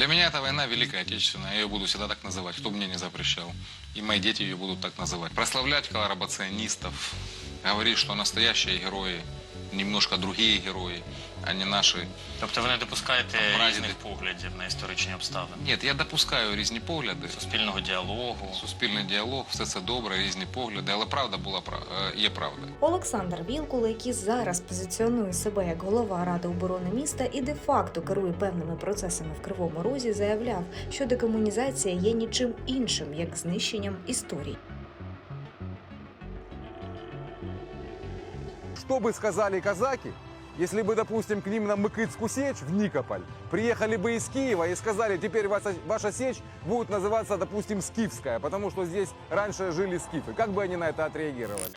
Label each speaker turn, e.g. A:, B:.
A: Для меня эта война Великая Отечественная, я ее буду всегда так называть, кто бы мне не запрещал. И мои дети ее будут так называть. Прославлять коллаборационистов, говорить, что настоящие герои, немножко другие герої, а не наші.
B: Тобто ви не допускаєте
A: прадіди.
B: різних поглядів на історичні обставини?
A: Ні, я допускаю різні погляди.
B: Суспільного діалогу?
A: Суспільний діалог, все це добре, різні погляди, але правда є правда.
C: Олександр Вілкул, який зараз позиціонує себе як голова Ради оборони міста і де-факто керує певними процесами в Кривому Розі, заявляв, що декомунізація є нічим іншим, як знищенням історії.
D: Что бы сказали казаки, если бы, допустим, к ним на Мыкыцкую сечь в Никополь приехали бы из Киева и сказали, теперь ваша сечь будет называться, допустим, Скифская, потому что здесь раньше жили скифы. Как бы они на это отреагировали?